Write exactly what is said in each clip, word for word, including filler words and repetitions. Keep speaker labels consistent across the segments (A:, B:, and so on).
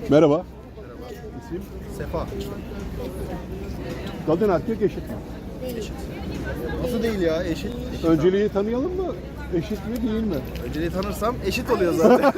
A: Merhaba.
B: İsim? Sefa.
A: Kadın erkek eşit mi?
B: Eşit. Nasıl değil ya? Eşit. Eşit
A: Önceliği tanıyalım mı? Eşit mi değil mi?
B: abi. Önceliği tanırsam eşit oluyor zaten.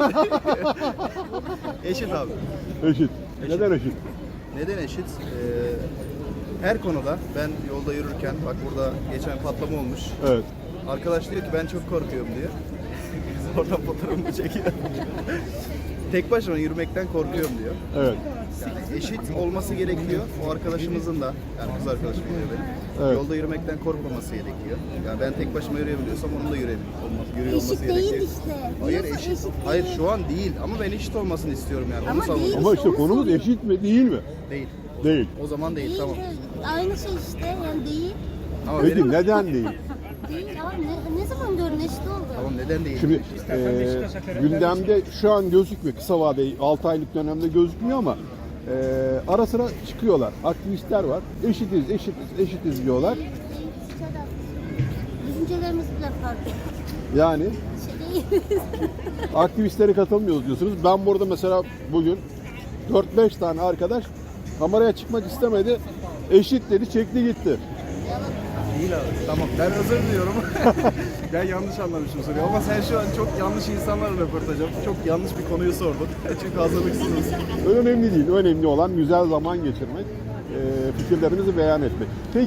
B: Eşit abi.
A: Eşit. Neden eşit?
B: Neden eşit? Ee, her konuda ben yolda yürürken, bak burada geçen patlama olmuş.
A: Evet.
B: Arkadaş diyor ki ben çok korkuyorum diyor. Biz oradan fotoğrafımı çekiyor. Tek başıma yürümekten korkuyorum diyor.
A: Evet.
B: Yani eşit olması gerekiyor. O arkadaşımızın da, yani kız arkadaşım oluyor benim.
A: Evet.
B: Yolda yürümekten korkmaması gerekiyor. Yani ben tek başıma yürüyebiliyorsam onun da yürüyebiliyor olması, yürüyor olması
C: Eşit
B: gerekiyor.
C: değil işte.
B: Hayır
C: Diyorsa
B: eşit.
C: eşit
B: Hayır
C: değil.
B: şu an değil ama ben eşit olmasını istiyorum yani.
C: Ama
B: Onu savunuyorum.
C: değil.
A: Ama işte
C: Onu
A: konumuz
C: soruyorum.
A: eşit mi değil mi?
B: Değil.
A: Değil.
B: O zaman değil,
C: Değil
B: tamam.
C: de aynı şey işte yani değil.
B: Ama
A: Peki
B: benim,
A: neden değil?
C: Değil abi ne, ne zaman gördün eşit oldu?
B: tamam neden değil?
A: Şimdi e, gündemde şu an gözükmüyor. Kısa vadeli altı aylık dönemde gözükmüyor ama e, ara sıra çıkıyorlar. Aktivistler var. Eşitiz, eşitiz, eşitiz diyorlar.
C: Düşüncelerimiz bile farklı.
A: Yani
C: Şey değil.
A: aktivistlere katılmıyoruz diyorsunuz. Ben burada mesela bugün dört beş tane arkadaş kameraya çıkmak istemedi. Eşit dedi, çekti gitti.
B: Değil abi. Tamam ben özür diliyorum. Ben yanlış anlamışım soruyu ama sen şu an çok yanlış insanlarla röportaj yaptın. Çok yanlış bir konuyu sordun. Çünkü hazırlıksızız.
A: Önemli değil. Önemli olan güzel zaman geçirmek, e, fikirlerimizi beyan etmek. Peki